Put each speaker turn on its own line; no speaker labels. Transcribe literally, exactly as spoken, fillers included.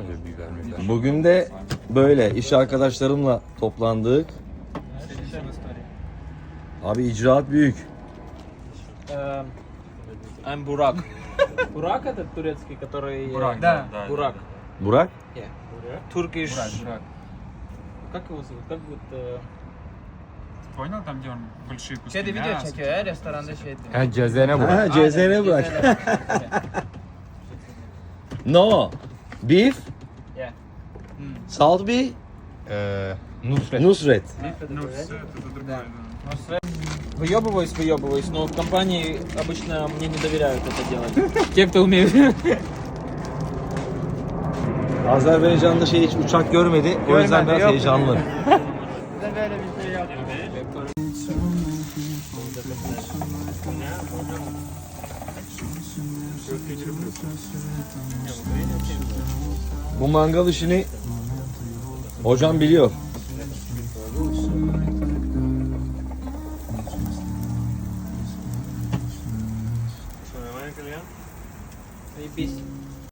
biber, biber.
Bugün de böyle iş arkadaşlarımla toplandık. Abi icraat büyük.
Эм, I'm Burak. Burak это турецкий, который...
Бурак,
Да.
да,
Burak.
Burak.
Yeah. Turkish...
Бурак, Бурак.
Как его зовут? Как вот... э,
Понял, там где он большие куски
Şeyde video
мяса?
çekiyor ya restoranda şey.
Ha cezene bu.
Ha, C Z N bırak. No. Beef.
Yeah.
Salt beef.
Ee, Nusret.
Nusret.
Ну, все, это другое, да.
Выебываюсь, выебываюсь, но в компании обычно мне не доверяют это делать. Те, кто умеют.
Azerbaycan'da şey hiç uçak görmedi. O yüzden biraz
yok.
heyecanlı.
Bize böyle bir şey yok.
Bu mangal işini hocam biliyor.
Заебись.